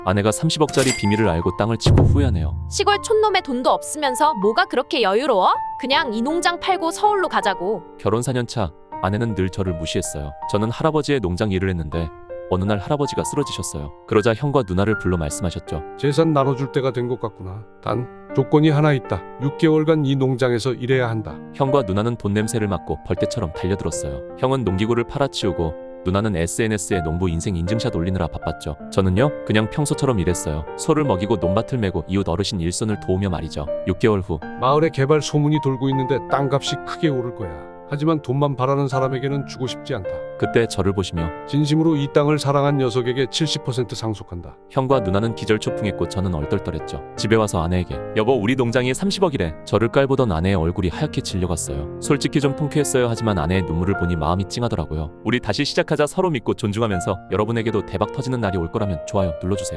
아내가 30억짜리 비밀을 알고 땅을 치고 후회하네요. 시골 촌놈의 돈도 없으면서 뭐가 그렇게 여유로워? 그냥 이 농장 팔고 서울로 가자고. 결혼 4년 차 아내는 늘 저를 무시했어요. 저는 할아버지의 농장 일을 했는데 어느 날 할아버지가 쓰러지셨어요. 그러자 형과 누나를 불러 말씀하셨죠. 재산 나눠줄 때가 된 것 같구나. 단 조건이 하나 있다. 6개월간 이 농장에서 일해야 한다. 형과 누나는 돈 냄새를 맡고 벌떼처럼 달려들었어요. 형은 농기구를 팔아치우고 누나는 SNS에 농부 인생 인증샷 올리느라 바빴죠. 저는요 그냥 평소처럼 일했어요. 소를 먹이고 논밭을 메고 이웃 어르신 일손을 도우며 말이죠. 6개월 후 마을에 개발 소문이 돌고 있는데 땅값이 크게 오를 거야. 하지만 돈만 바라는 사람에게는 주고 싶지 않다. 그때 저를 보시며 진심으로 이 땅을 사랑한 녀석에게 70% 상속한다. 형과 누나는 기절초풍했고 저는 얼떨떨했죠. 집에 와서 아내에게 여보 우리 농장이 30억이래. 저를 깔보던 아내의 얼굴이 하얗게 질려갔어요. 솔직히 좀 통쾌했어요. 하지만 아내의 눈물을 보니 마음이 찡하더라고요. 우리 다시 시작하자. 서로 믿고 존중하면서 여러분에게도 대박 터지는 날이 올 거라면 좋아요 눌러주세요.